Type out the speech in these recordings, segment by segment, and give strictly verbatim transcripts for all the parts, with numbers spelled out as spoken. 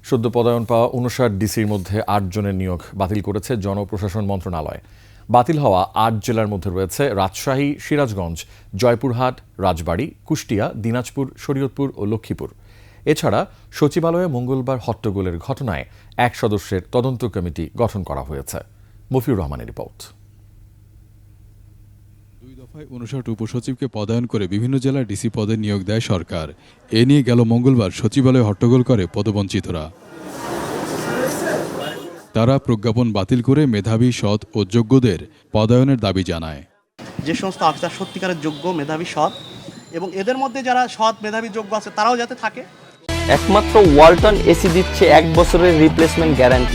সদ্য পদায়ন পাওয়া উনষাট ডিসির মধ্যে আট জনের নিয়োগ বাতিল করেছে জনপ্রশাসন মন্ত্রণালয়। বাতিল হওয়া আট জেলার মধ্যে রয়েছে রাজশাহী, সিরাজগঞ্জ, জয়পুরহাট, রাজবাড়ী, কুষ্টিয়া, দিনাজপুর, শরীয়তপুর ও লক্ষ্মীপুর। এছাড়া সচিবালয়ে মঙ্গলবার হট্টগোলের ঘটনায় এক সদস্যের তদন্ত কমিটি গঠন করা হয়েছে। মফিউর রহমানের রিপোর্ট। দুই দফায় উনষাট উপসচিবকে পদায়ন করে বিভিন্ন জেলার ডিসি পদে নিয়োগ দেয় সরকার। এ নিয়ে গেল মঙ্গলবার সচিবালয়ে হট্টগোল করে পদবঞ্চিতরা। তারা প্রজ্ঞাপন বাতিল করে মেধাবী, সৎ ও যোগ্যদের পদায়নের দাবি জানায়। যে সমস্ত অফিসার সত্যিকারের যোগ্য, মেধাবী, সৎ এবং এদের মধ্যে যারা সৎ, মেধাবী, যোগ্য আছে তারাও যাতে থাকে। একমাত্র ওয়ালটন এসি দিচ্ছে এক বছরের রিপ্লেসমেন্ট গ্যারান্টি।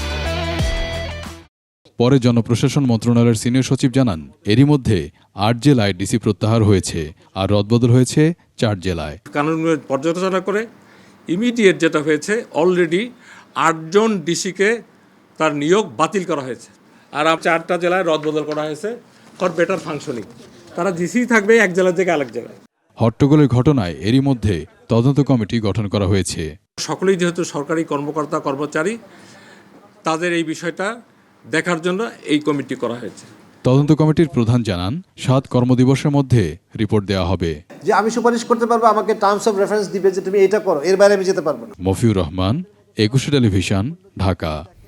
পরে জনপ্রশাসন মন্ত্রণালয়ের সিনিয়র সচিব জানান, এরই মধ্যে আট জেলায় ডিসি প্রত্যাহার হয়েছে আর রদবদল হয়েছে চার জেলায়। কানুনগুলো পর্যালোচনা করে ইমিডিয়েট যেটা হয়েছে, অলরেডি আটজন ডিসিকে তার নিয়োগ বাতিল করা হয়েছে আর চারটা জেলায় রদবদল করা হয়েছে ফর বেটার ফাংশনিং। তারা ডিসি থাকবে এক জেলা থেকে আরেক জেলায়। হট্টগোলের ঘটনায় এরই মধ্যে তদন্ত কমিটি গঠন করা হয়েছে। সকলেই যেহেতু সরকারি কর্মকর্তা কর্মচারী, তাদের এই বিষয়টা দেখার জন্য এই কমিটি করা হয়েছে। তদন্ত কমিটির প্রধান জানান, সাত কর্মদিবসের মধ্যে রিপোর্ট দেওয়া হবে। যে আমি সুপারিশ করতে পারবো, আমাকে টার্মস অফ রেফারেন্স দিবে যে তুমি এটা করো, এর বাইরে আমি যেতে পারবো না। মফিউর রহমান, একুশে টেলিভিশন, ঢাকা।